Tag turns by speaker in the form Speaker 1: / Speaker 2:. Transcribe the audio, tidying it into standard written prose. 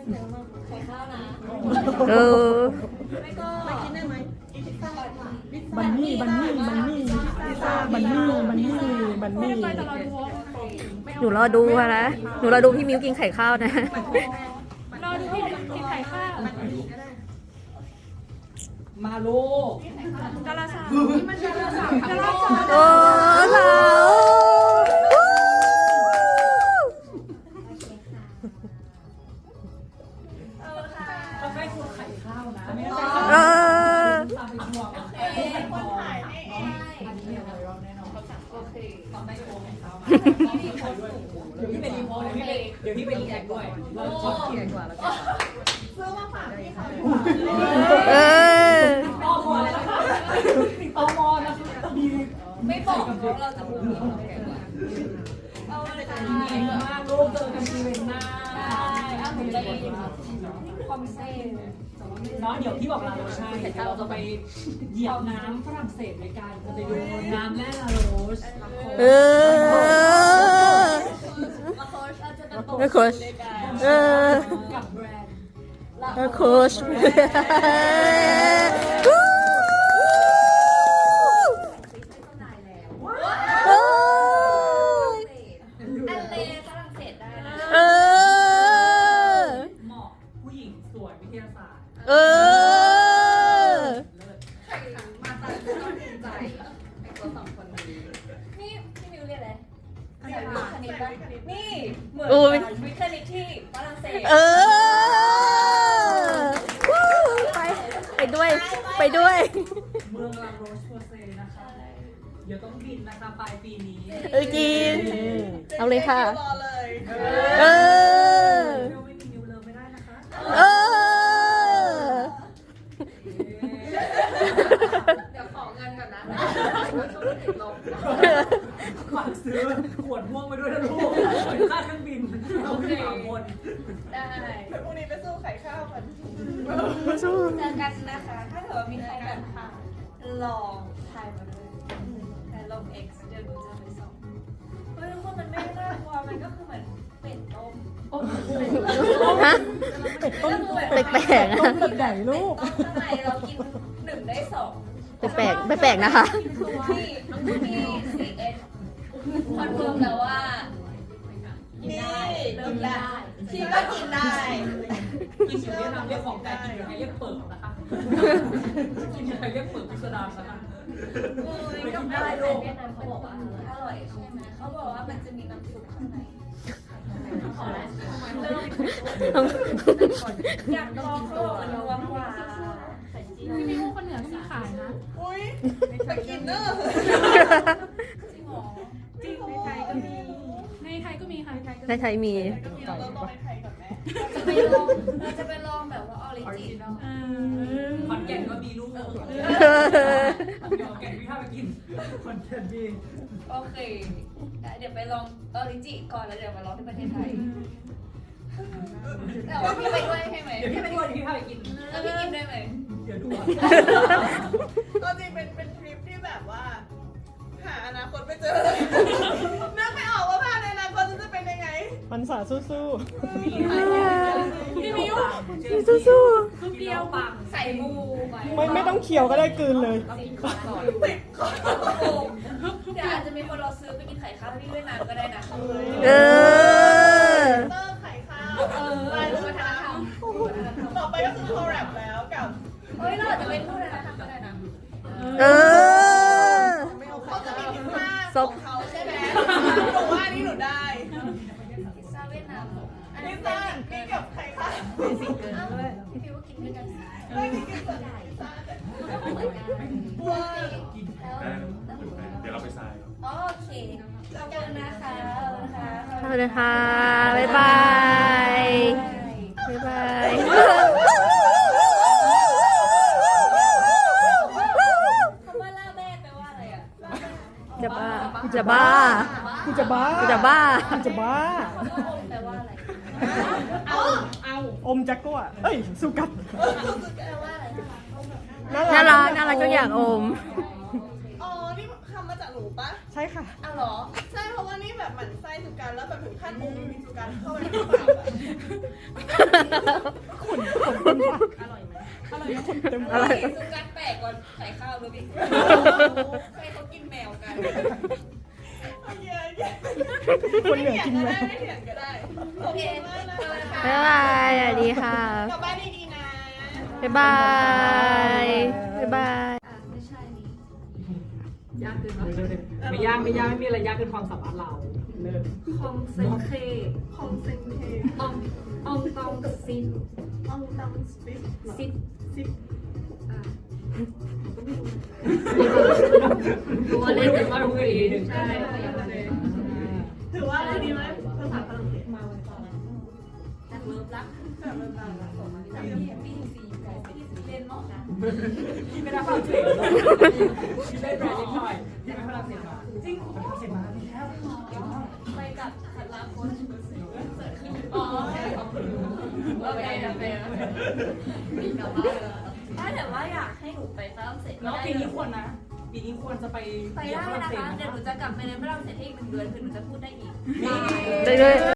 Speaker 1: ไข่ข้าวนะ
Speaker 2: เออ
Speaker 1: ไม่ก็ไม่กินได้ไหมพิซซ่า
Speaker 3: บันนี่บันนี่บันนี่บันนี่บันนี่บันนี่
Speaker 2: หนูรอดูค่ะนะหนูรอดูพี่มิวกินไข่ข้าวนะ
Speaker 4: รอดูพี่กินไข่ข้าว
Speaker 3: มาลูก
Speaker 4: กะลาสาวนี่มันกะลาสาวกะลาสาว
Speaker 2: โอ้สาวเออ
Speaker 1: คนถ่ายให้เอง
Speaker 3: เดี๋ยวพี่ไปรีแอคด้วยเราชอบกินกว่าแล้วกัน
Speaker 1: ซื้อมาฝากพี่เขา
Speaker 2: เออ
Speaker 3: ตอมอเลยนะคะตอมอนะคะดี
Speaker 1: ไม่บอกว่าเราจะพูดเอาเลยค่ะ
Speaker 3: มากลูกเจอกันทีเป็นหน้า
Speaker 1: เอาผมจะยินคอมเซ่
Speaker 3: เนาะเดี๋ยวพี่บอกลาโรใช่เราจะไปเหยียบน้ำฝรั่งเศสด้วยกันจะไปดูน้ำแร่ลาโรส
Speaker 2: เออ
Speaker 1: มาโค้ชเราจะไปตก
Speaker 2: เออโค้ชเออ
Speaker 3: กับแบรนด์
Speaker 2: เออโค้ช
Speaker 1: อันเลฝรั่งเศสได้นะ
Speaker 2: เออ
Speaker 3: เหมาะผู้หญิงสวยวิทยาศาสตร์
Speaker 2: เออ
Speaker 1: มาตัดต้องภูมิใจไอ้ตัวสองคนนี้นี่พี่มิวเรียกอะไรสายวิทย์คณิตป่ะนี่เหมือนวิทย์คณิตที่ฝรั่งเศส
Speaker 2: เออวู้ไปด้วย ไปด้วย
Speaker 3: เมืองลาโรสโพเซนะคะเดี๋ยวต้องบินนะคะปลายปีนี้
Speaker 2: เออกิน เอาเลยค่ะ
Speaker 1: รอเลย
Speaker 2: เออ
Speaker 3: เดี๋ยวไม่มีนิวเลิฟไม่ได้นะคะ
Speaker 2: เออ
Speaker 1: เดี๋ยวขอเงินก่อนนะ
Speaker 3: ฝากซื้อขวดม่วงไปด้วยนะลูกค่าเครื่องบินเราขึ้นสามคน
Speaker 1: ได้พรุ่งนี้ไปสู้ไข่ข้าวกัน
Speaker 2: สู้
Speaker 1: เจอกันนะคะ ถ้าเกิดว่ามีใครแบบลองทายมาด้วยแต่ลง X เดี๋ยวหนูจะไปส่งเฮ้ยทุกคนมันไม่น่ากลัวมันก็คือเหมือนเป็ดต้ม
Speaker 2: ฮะ
Speaker 3: เป็ดต้ม
Speaker 2: แปลกๆนะ
Speaker 3: ต้มแบบไหนลูก
Speaker 1: เป็ดต้มข้างในเรากิน1 ได้ 2
Speaker 2: แปลกแปลกๆนะคะ
Speaker 1: ที่4S คอนเฟิร์มแล้วว่ากินได้เริ่มได้ที่ก็กินได้
Speaker 3: กินอยู่เวียดนามเรียกของไก่กินอยู่ไทยเรียกเปิดนะคะกินอยู่ไทยเรียกเปิดพิสดารนะคะ
Speaker 1: ไม่ต้องได้ลูกเวียดนามเขาบอกว่าอร่อยใช่ไหมเขาบอกว่ามันจะมีน้ำซุปข้างในอยากลองเขาบอกมันนัวกว่า
Speaker 4: พี่มิวคนเหนือก็มีขายนะ
Speaker 1: อุ้ยไปกินเนอะจริงหรอ
Speaker 4: จริงในไทยก็มีในไทยก็มีค่ะในไทยก็
Speaker 2: ในไทยมี
Speaker 1: เราต้องไปไทยก่อนไหมเราจะไปลองแบบว่าออริจินอล
Speaker 3: ขอนแก่นก็มีลูกเดี๋ยวแก่นพี่ข้าไปกินขอนแก่นมี
Speaker 1: โอเคเดี๋ยวไปลองออริจิก่อนแล้วเดี๋ยวมาลองที่ประเทศไทยแต่ว่าพี่ไปด้วยใช่ไหม
Speaker 3: เดี๋ยวพี่ไปด้วยพี่ข้าไปกิน
Speaker 1: แล้วพี่กินได้ไหม
Speaker 3: เดี๋ยวดูอ่ะ
Speaker 5: ก็จริงเป็นทริปที่แบบว่า หาอนาคตไม่เจอนึกไม่ออกว่าภาพในอนาคตจะเป็นยังไง
Speaker 3: มันสาสู้
Speaker 4: พี่มิว
Speaker 2: สู้
Speaker 4: ลูกเดียวปัง
Speaker 1: ใส่มูไป
Speaker 3: ไม่ต้องเคี้ยวก็ได้กลืนเลย
Speaker 1: เดี๋ยวอาจจะมีคนเราซื้อไปกินไข่ข้าวที่เวียดนามก็ได้นะ
Speaker 2: เออ
Speaker 5: เตอร์ไข่ข้าว
Speaker 1: วัฒนธรรม
Speaker 5: ต่อไปก็คือคอแรปแล้วกับ
Speaker 1: เฮ้ยเราอาจจะเป็นผู้วัฒนธรรมก็ได้นะ
Speaker 2: เออ
Speaker 5: เขาจะมีพิซซ่า
Speaker 2: ซ
Speaker 5: ข
Speaker 2: บ
Speaker 5: องเขาใช่ไหมหนูว่านี่หนูได้
Speaker 1: พิซซ่าเวียดนามอัน
Speaker 5: พิ
Speaker 1: นี้
Speaker 5: ซ
Speaker 1: เป็
Speaker 5: ซ่าน นี่กับไข่ข้าว
Speaker 1: พี่พิวกินด้วยกัน
Speaker 5: ไม่ได้กินแต่พิซซ่าแต่
Speaker 1: เหมือนกัน
Speaker 5: ว้า
Speaker 6: เดี๋ยวเราไปทราย
Speaker 1: โอเคขอบคุณนะคะขอบคุณนะคะ
Speaker 2: ขอบคุณค่ะ บ๊ายบาย บ๊ายบาย
Speaker 1: คำว่าล่าแม่แปลว่าอะไรอ่ะ
Speaker 2: จะบ้าจะบ้า
Speaker 3: กูจะบ้า
Speaker 2: จะบ้า
Speaker 3: กูจะบ้า
Speaker 1: คำว่าอมแปลว่าอะไร
Speaker 3: อมแจ็คก็อ่ะเอ้ยสุกัด
Speaker 1: แปลว่าอะไร
Speaker 2: น่ารักทุกอย่างอม
Speaker 5: อ๋อ นี่คำมาจากหนูนูปะ
Speaker 7: ใช่ค่ะ
Speaker 1: อ้าวเหรอ
Speaker 5: ใช่เพราะว่านี่แบบหมั่นไส้สุการแล้วแบบถึงขั้นอุ้มสุการเข้าไปในปากอะ
Speaker 7: อร่อยไหม
Speaker 2: อะไร
Speaker 1: สุกัดแปลกกว่าไข่ข้าวด้วยพี่ใครเขากินแมวกัน
Speaker 5: โอเคโอเค
Speaker 7: คนเหนือกินแมว
Speaker 5: ไม่เถียงก็ได้
Speaker 1: โอเค
Speaker 5: ขอบคุณมากนะคะ
Speaker 2: บ๊ายบายสวัสดีค่ะ
Speaker 5: กลับบ้านดีๆนะ
Speaker 2: บ๊ายบาย บ๊ายบาย
Speaker 1: อ่ะไม่ใช่นี่
Speaker 3: ยากเกินไม่ยากไม่มีอะไรยากเกินความสามารถเราเลิศ
Speaker 4: คองเซนเค
Speaker 5: ของเซนเท
Speaker 4: อองอองตองซิน
Speaker 5: อองตังสปิด
Speaker 4: ซิด
Speaker 5: ซิป
Speaker 3: รู้ว่าเล่นกันมาทุกทีหนึ่ง
Speaker 4: ใช่
Speaker 5: ถือว่าอะไรดีไหมภาษาฝรั่งเศสมาวันก่อน
Speaker 1: นักเลิฟรัก
Speaker 5: แบบเริ่มต้นแล้ว
Speaker 1: จากพี่ซีไก่พี่ซีเล่นเนาะนะ
Speaker 3: ที่ไม่ได้ฝรั่งเศสที่เล่นแบรนด์นิดหน่อยที่ไม่ฝรั่งเศสมาจริงฝรั่งเศสมาแล้ว
Speaker 1: ไปกับพันลาคนอ๋อโอเคโอเคมีกลับบ้านถ้าแต่ว่าอยากให้หนูไปฝรั่งเศส
Speaker 3: แล้วปีนี้ควรนะปีนี้ควรจะไป
Speaker 1: ไปได้นะคะ เดี๋ยวหนูจะกลับไปในฝรั่งเศสให้อีก1 เดือนคือหนูจะพูดได้อีก
Speaker 2: ได้ด้วย